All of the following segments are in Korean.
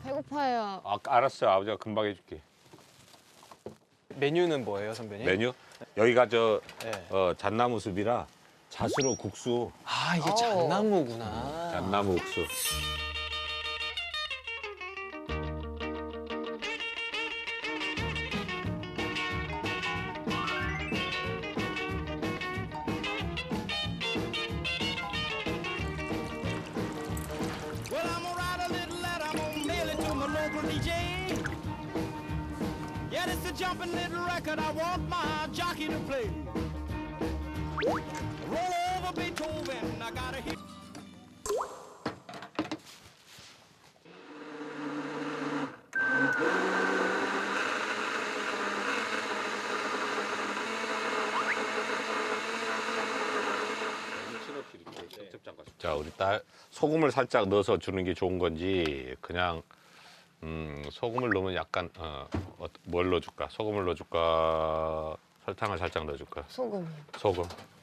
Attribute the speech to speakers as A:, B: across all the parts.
A: 배고파요.
B: 아, 알았어. 아버지가 금방 해줄게.
C: 메뉴는 뭐예요, 선배님?
B: 메뉴? 여기가
C: 네.
B: 잣나무 숲이라 잣으로 국수,
C: 아, 이게 잣나무구나.
B: 잣나무 국수.
D: Well, I'm gonna write a little letter, I'm gonna mail it to my local DJ. Yeah, it's a jumping little record I want my jockey to play. Roll over Beethoven, I gotta hit.
B: 자, 우리 딸 소금을 살짝 넣어서 주는 게 좋은 건지 그냥 소금을 넣으면 약간 뭘 넣어줄까? 소금을 넣어줄까? 설탕을 살짝 넣어줄까?
A: 소금.
B: 소금.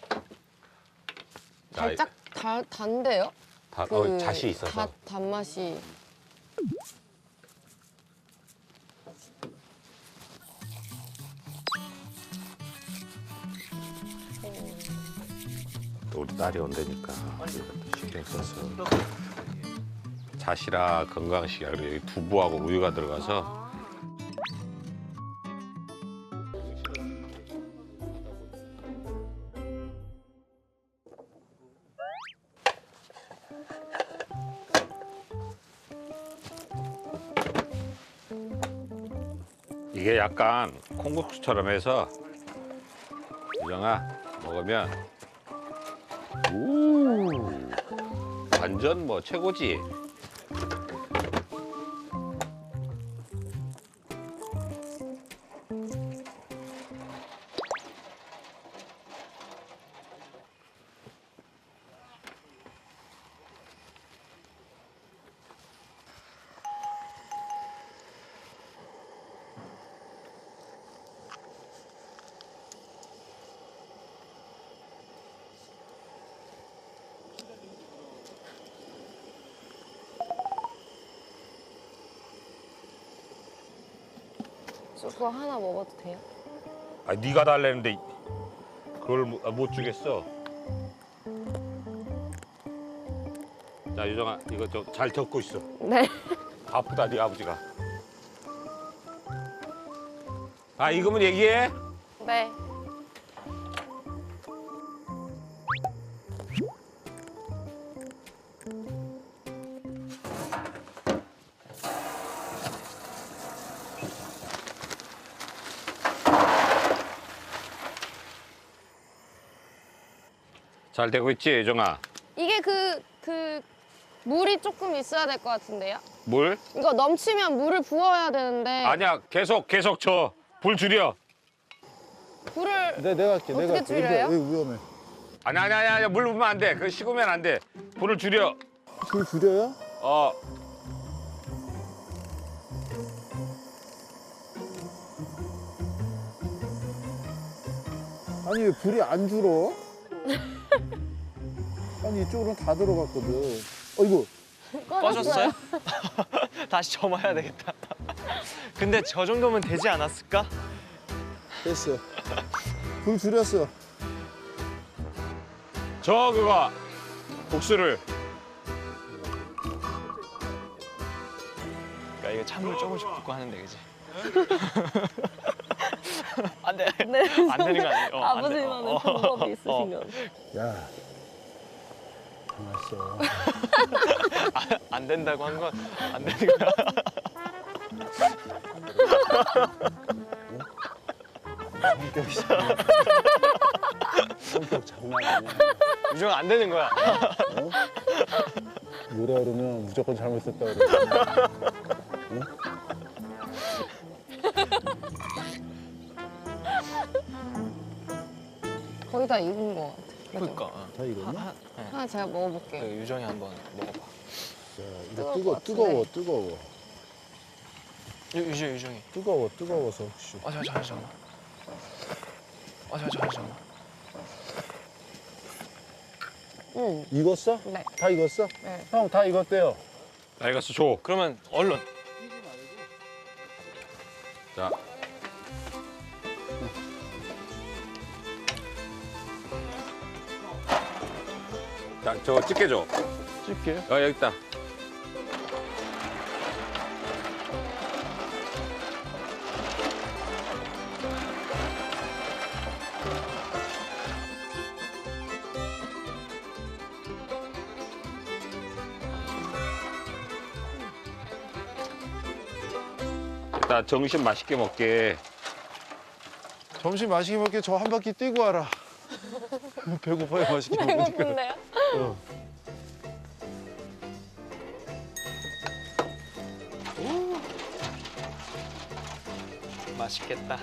B: 자,
A: 살짝 단데요?
B: 잣이 있어서.
A: 단맛이.
B: 또 우리 딸이 온다니까 이것도 신경 써서. 잣이라 건강식이야. 그리고 여기 두부하고 우유가 들어가서. 이게 약간 콩국수처럼 해서 유정아 먹으면 완전 뭐 최고지.
A: 저 그거 하나 먹어도 돼요?
B: 아, 네가 달래는데 그걸 못 주겠어. 자, 유정아, 이거 좀 잘 적고 있어.
A: 네.
B: 바쁘다, 네 아버지가. 아, 이거면 얘기해.
A: 네.
B: 잘 되고 있지, 유정아?
A: 이게 물이 조금 있어야 될 것 같은데요?
B: 물?
A: 이거 넘치면 물을 부어야 되는데.
B: 아니야, 계속 줘. 불 줄여.
A: 불을
E: 내가 할게.
A: 어떻게
E: 내가 할게.
A: 줄여요?
E: 여기 위험해.
B: 아니야, 물 부으면 안 돼. 그거 식으면 안 돼. 불을 줄여.
E: 불 줄여요?
B: 어.
E: 아니 왜 불이 안 줄어? 아니 이쪽으로는 다 들어갔거든. 어이구.
C: 꺼졌어요? 다시 점아야 되겠다. 근데 저 정도면 되지 않았을까?
E: 됐어. 불 줄였어.
B: 그거 국수를.
C: 그러니까 이거 찬물 조금씩 붓고 하는데, 그지? 안 돼.
A: 네.
C: 안 되는 거 아니에요? 안 돼.
A: 아버지만의 방법이 있으신가 봐.
E: 야. 가만있어.
C: 안 된다고 한 건 안 되는 거야.
E: 성격 장난 아니야.
C: 유정아, 안 되는 거야.
E: 뭐라 그러면 무조건 잘못했다 그래. 응?
A: 거의 다 익은 것 같아.
C: 그러니까.
E: 다 익었나?
A: 하나 제가 먹어볼게요.
C: 그 유정이 한번 먹어봐.
E: 자,
A: 뜨거울
E: 이거
A: 것
E: 뜨거워.
C: 유정이.
E: 뜨거워서 혹시.
C: 잠깐만. 잠깐만.
E: 익었어?
A: 네.
E: 다 익었어?
A: 네.
E: 형 다 익었대요.
B: 나 이거 줘.
C: 그러면 얼른
B: 자. 자, 저거 집게 줘.
E: 찍게.
B: 여기 있다. 일단 점심 맛있게 먹게.
E: 점심 맛있게 먹게 저 한 바퀴 뛰고 와라. 배고파요, 맛있게 먹으니까.
A: 배고픈데요?
C: 맛있겠다.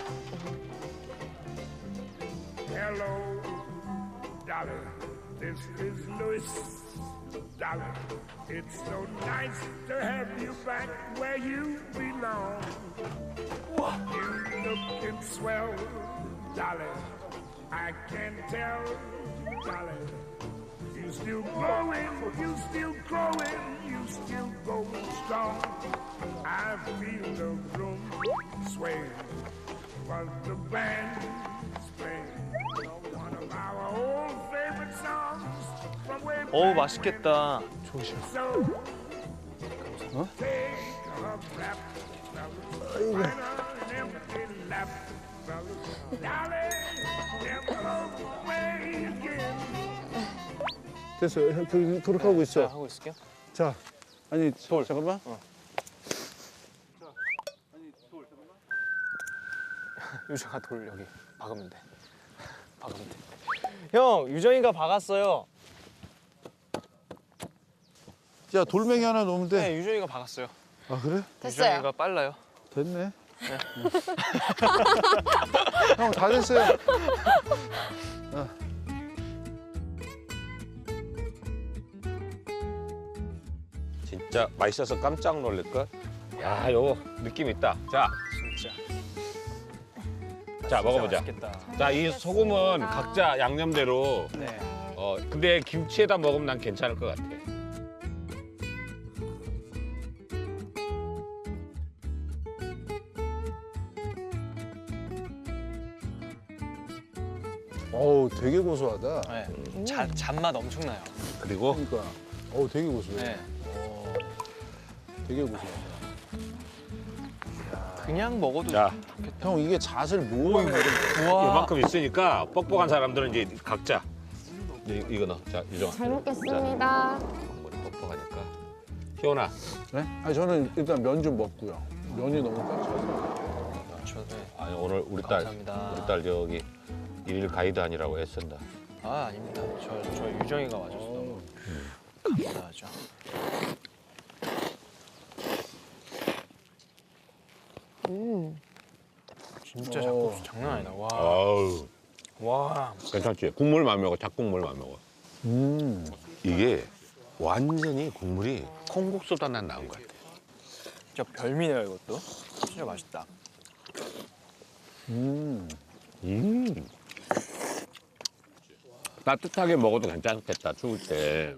D: Hello, darling. This is Louis. Darling, it's so nice to have you back where you belong. You looking swell, darling. I can tell, darling. You still growing, you still growing, you still going strong. I feel the room sway, but the band's playing one of our old favorite songs from way back.
C: 어우 맛있겠다.
D: So take a rap, fellas, find an empty lap, fellas, darling, never away again.
E: 됐어요. 그렇게 하고
C: 자,
E: 있어.
C: 하고 있을게요.
E: 자, 아니, 잠깐만.
C: 유정아 돌 여기 박으면 돼. 박으면 돼. 형 유정이가 박았어요.
E: 야, 돌멩이 하나 놓으면 돼.
C: 네 유정이가 박았어요.
E: 아, 그래?
A: 됐어요.
C: 유정이가 빨라요.
E: 됐네. 형, 다 됐어요.
B: 진짜 맛있어서 깜짝 놀랄걸? 야, 요거 느낌 있다. 자,
C: 진짜.
B: 자 먹어보자.
C: 맛있겠다.
B: 자, 이 소금은 각자 양념대로.
C: 네.
B: 근데 김치에다 먹으면 난 괜찮을 것 같아.
E: 어우, 되게 고소하다.
C: 네. 잔맛 엄청나요.
B: 그리고
E: 그러니까. 어우, 되게 고소해.
C: 네.
E: 되게 고소하다.
C: 그냥 먹어도
B: 자,
E: 형, 이게 잣을 모으는 거를
C: 우와.
B: 이만큼 있으니까 뻑뻑한 사람들은 이제 각자 이거 넣어. 자, 유정아.
A: 잘 먹겠습니다.
B: 머리 뻑뻑하니까. 희원아,
E: 네? 아니, 저는 일단 면 좀 먹고요. 면이 너무 꽉 차서.
C: 네.
B: 아니 오늘 우리 딸
C: 감사합니다.
B: 저기 일일 가이드 아니라고 애쓴다.
C: 아 아닙니다. 저 유정이가 와줘서 너무 감사하죠. 진짜 잡곡수 장난 아니다. 와.
B: 아우,
C: 와.
B: 괜찮지? 국물만 먹어. 잡국물만 먹어.
E: 음.
B: 이게 완전히 국물이 콩국수보다 난 나은 것 같아.
C: 진짜 별미네요 이것도. 진짜 맛있다.
B: 따뜻하게 먹어도 괜찮겠다, 추울 때.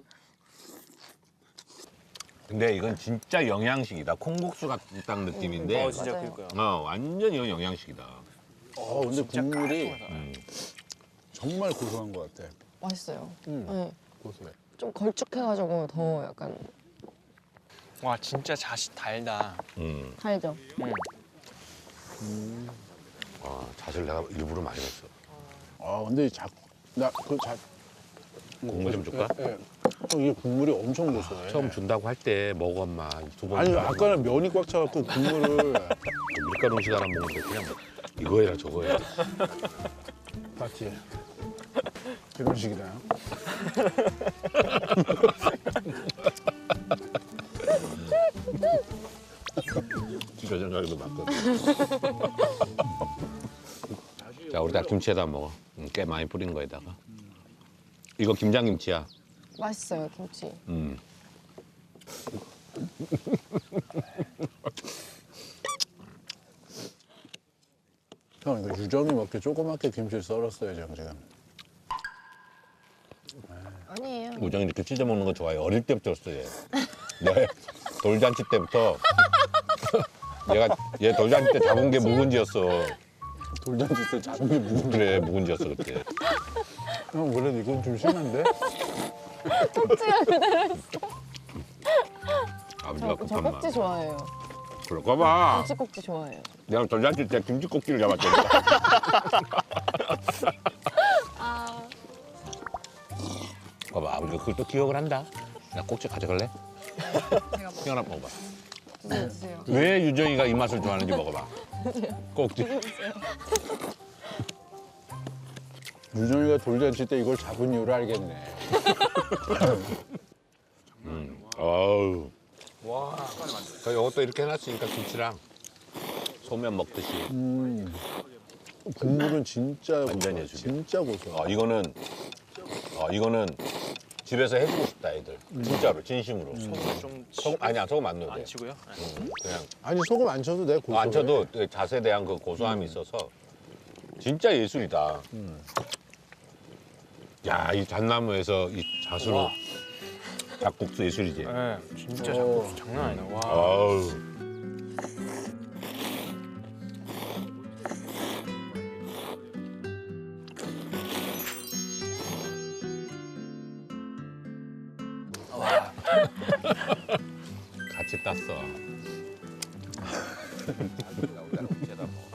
B: 근데 이건 진짜 영양식이다. 콩국수 같은 딱 느낌인데.
C: 진짜
A: 맞아요.
C: 그럴까요?
B: 완전 이건 영양식이다.
E: 근데 국물이
C: 깔끔하다.
E: 정말 고소한 것 같아.
A: 맛있어요.
E: 음.
A: 네.
E: 고소해.
A: 좀 걸쭉해가지고 더 약간
C: 와 진짜 잣이 달다.
A: 달죠.
B: 잣을 내가 일부러 많이 넣었어.
E: 근데
B: 국물 좀 줄까?
E: 예. 이게 국물이 엄청 고소해.
B: 처음 준다고 할 때 먹어, 엄마. 두 번.
E: 아니, 아까는 면이 꽉 차갖고 국물을.
B: 밀가루 음식 하나 먹는데 그냥 이거 해라 저거 해라.
E: 맞지? 이런 식이다.
B: 진짜 생각해도 맞거든. 자, 우리 다 김치에다 먹어. 꽤 많이 뿌린 거에다가. 이거 김장김치야.
A: 맛있어요 김치.
E: 형, 이거 유정이 먹게 조그맣게 김치를 썰었어요, 지금.
A: 아니에요.
B: 우정이 이렇게 찢어 먹는 거 좋아해. 어릴 때부터 였어 얘. 네. 돌잔치 때부터 얘 돌잔치 때 잡은 게 묵은지였어.
E: 돌잔치 때 잡은 게 무슨
B: 그래 묵은지였어 그때.
E: 형 그래도 이건 좀 심한데?
A: 꼭지가 그대로 있어.
B: 아버지가
A: 저
B: 급한 말.
A: 꼭지 좋아해요.
B: 그럴까 봐.
A: 김치 꼭지 좋아해요.
B: 내가 돌잔치 때 김치 꼭지를 잡았다니까.
A: 아,
B: 봐봐 아버지가 그걸 또 기억을 한다. 야 꼭지 가져갈래? 하나 먹어봐.
A: 드세요.
B: 왜 유정이가 이 맛을 좋아하는지 먹어봐. 꼭지.
E: 유정이가 돌잔치 때 이걸 잡은 이유를 알겠네.
B: 어우. 와. 이것도 이렇게 해놨으니까 김치랑 소면 먹듯이.
E: 국물은 진짜
B: 완전
E: 고소해.
B: 예술이야.
E: 진짜 고소해.
B: 이거는 집에서 해주고 싶다 애들. 진짜로 진심으로.
C: 좀
B: 소금 아니야 소금 안 넣어도 돼.
C: 안 치고요.
B: 그냥
E: 아니 소금 안 쳐도 돼. 고소해.
B: 안 쳐도 그 잣에 대한 그 고소함이 있어서 진짜 예술이다. 야 이 잣나무에서 이 잣으로 잣국수 예술이지.
C: 네, 진짜 잡곡수 장난 아니다. 와.
B: 아우. 같이 땄어.